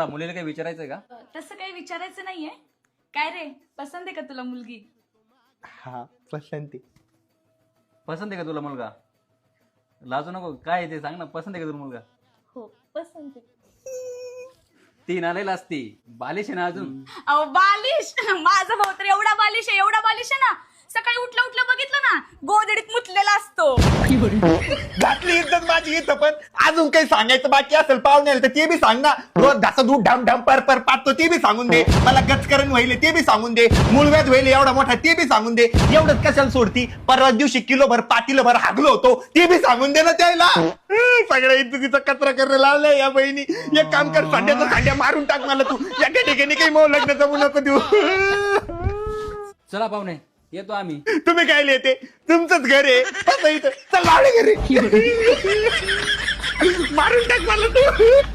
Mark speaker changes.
Speaker 1: बोला, मुलीला काही विचारायचंय का?
Speaker 2: तसं काही विचारायचं नाहीये. काय रे, पसंत आहे का तुला मुलगी?
Speaker 3: हा पसंती.
Speaker 1: पसंत आहे का तुला मुलगा? लाजू नको, काय आहे ते सांग ना, पसंत आहे का तुला मुलगा?
Speaker 2: हो पसंत आहे.
Speaker 1: ती नालेला असती, बालिश आहे ना अजून.
Speaker 2: अहो बालिश, माझा भाऊ तर एवढा बालिश आहे ना, सकाळी उठलं उठलं बघितलं ना, गोधडीत मुतलेला असतो.
Speaker 3: घातली इज्जत माझी इथं, पण अजून काही सांगायचं बाकी असेल पाहुण्याला तर ते बी सांग ना. रोज घासा दूध ढाम ढाम पर पर पाहतो ते बी सांगून दे. मला गचकरण व्हायले ते बी सांगून दे. मूळव्याध व्हायले एवढा मोठा ते बी सांगून दे. एवढंच कशाला सोडती? परवा दिवशी किलोभर पाटीलभर हागलो होतो ते बी सांगून दे ना त्याला. सगळ्या इज्जतीचा कचरा करायला लावलाय या बहिणी. एक काम कर, सांड्याचा सांड्या मारून टाक मला तू. या ठिकाणी काही मऊ लग्न जमू नको देऊ.
Speaker 1: चला पाहुणे, येतो आम्ही.
Speaker 3: तुम्ही काय लिहिते? तुमचंच घर आहे. बसा इथं. चल लावले घरी. मारून टाक मला तू.